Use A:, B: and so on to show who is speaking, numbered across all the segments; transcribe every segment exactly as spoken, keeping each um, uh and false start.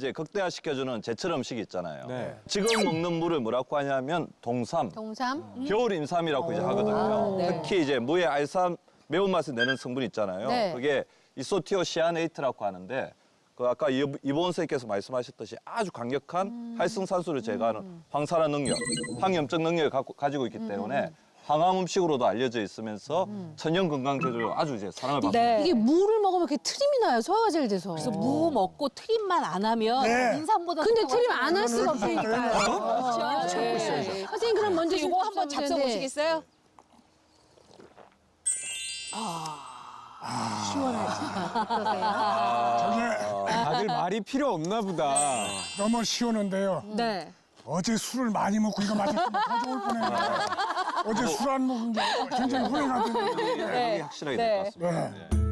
A: 이제 극대화시켜주는 제철 음식이 있잖아요.
B: 네.
A: 지금 먹는 물을 뭐라고 하냐면 동삼,
C: 동삼?
A: 겨울 인삼이라고 이제 하거든요.
C: 네.
A: 특히 이제 무의 알싸 매운맛을 내는 성분 있잖아요.
C: 네.
A: 그게 이소티오시아네이트라고 하는데 그 아까 이- 이보은 선생님께서 말씀하셨듯이 아주 강력한
C: 음.
A: 활성산소를 제거하는 황산화 능력, 항염증 능력을 갖고, 가지고 있기 때문에 항암 음식으로도 알려져 있으면서 천연 건강 제조로 아주 이제 사랑을 받습니다.
C: 네.
D: 이게 물을 먹으면 이렇게 트림이 나요, 소화가 잘 돼서.
C: 그래서 무 먹고 트림만 안 하면
E: 네.
C: 인삼보다
D: 근데
C: 더
D: 트림
C: 훨씬
D: 안 할 수가
E: 그러니까.
D: 없으니까요.
C: 그렇죠.
D: 네. 선생님 그럼 먼저
C: 이거 한번 잡숴 보시겠어요?
E: 저게
B: 다들 말이 필요 없나 보다.
E: 너무 쉬우는데요.
C: 네.
E: 어제 술을 많이 먹고 이거 맞았으면 더 좋을 뻔했는데 어제 술 안 먹은 게 굉장히 후회가 되는데.
A: 네. 확실하게 될 것 같습니다.
E: 네.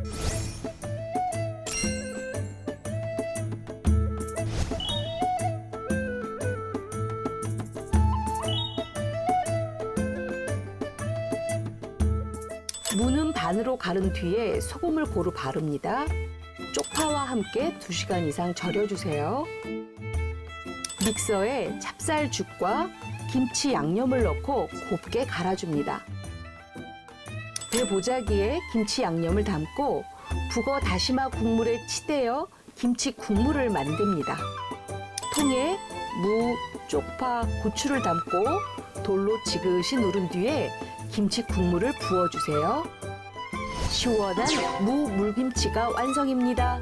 F: 무는 반으로 가른 뒤에 소금을 고루 바릅니다. 쪽파와 함께 두 시간 이상 절여주세요. 믹서에 찹쌀죽과 김치 양념을 넣고 곱게 갈아줍니다. 대보자기에 김치 양념을 담고 북어 다시마 국물에 치대어 김치 국물을 만듭니다. 통에 무, 쪽파, 고추를 담고 돌로 지그시 누른 뒤에 김치 국물을 부어주세요. 시원한 무 물김치가 완성입니다.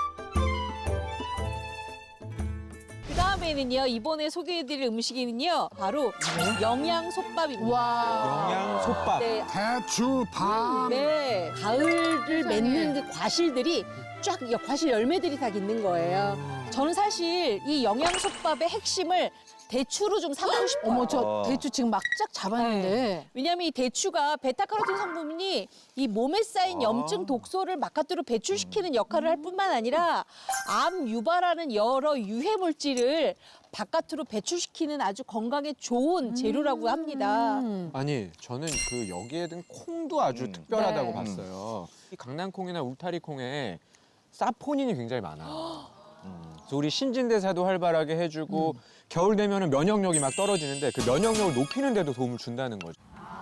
C: 그 다음에는요, 이번에 소개해드릴 음식이는요, 바로 영양솥밥입니다.
D: 와.
B: 영양솥밥.
C: 네.
E: 대추, 밥.
C: 네. 가을을 맺는 그 과실들이 쫙, 과실 열매들이 다 있는 거예요. 저는 사실 이 영양솥밥의 핵심을 대추로 좀 삼고 싶어요.
D: 어머, 저
A: 어.
D: 대추 지금 막 쫙 잡았는데.
C: 왜냐하면 이 대추가 베타카로틴 성분이 이 몸에 쌓인 염증 독소를 바깥으로 배출시키는 역할을 할 뿐만 아니라 암 유발하는 여러 유해 물질을 바깥으로 배출시키는 아주 건강에 좋은 재료라고 합니다.
B: 아니 저는 그 여기에 든 콩도 아주
A: 음.
B: 특별하다고
C: 네.
B: 봤어요. 이 강낭콩이나 울타리 콩에 사포닌이 굉장히 많아요. 음. 그래서 우리 신진대사도 활발하게 해주고 겨울 되면은 면역력이 막 떨어지는데 그 면역력을 높이는 데도 도움을 준다는 거죠.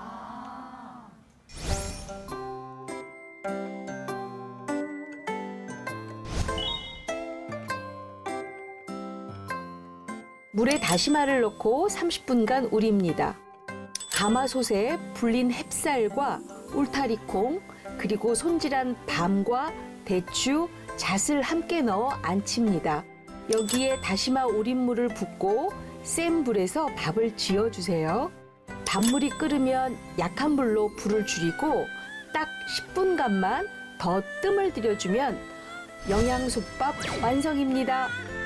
F: 물에 다시마를 넣고 삼십 분간 우립니다. 가마솥에 불린 햅쌀과 울타리콩, 그리고 손질한 밤과 대추, 잣을 함께 넣어 안칩니다. 여기에 다시마 우린 물을 붓고 센 불에서 밥을 지어주세요. 밥물이 끓으면 약한 불로 불을 줄이고 딱 십 분간만 더 뜸을 들여주면 영양솥밥 완성입니다.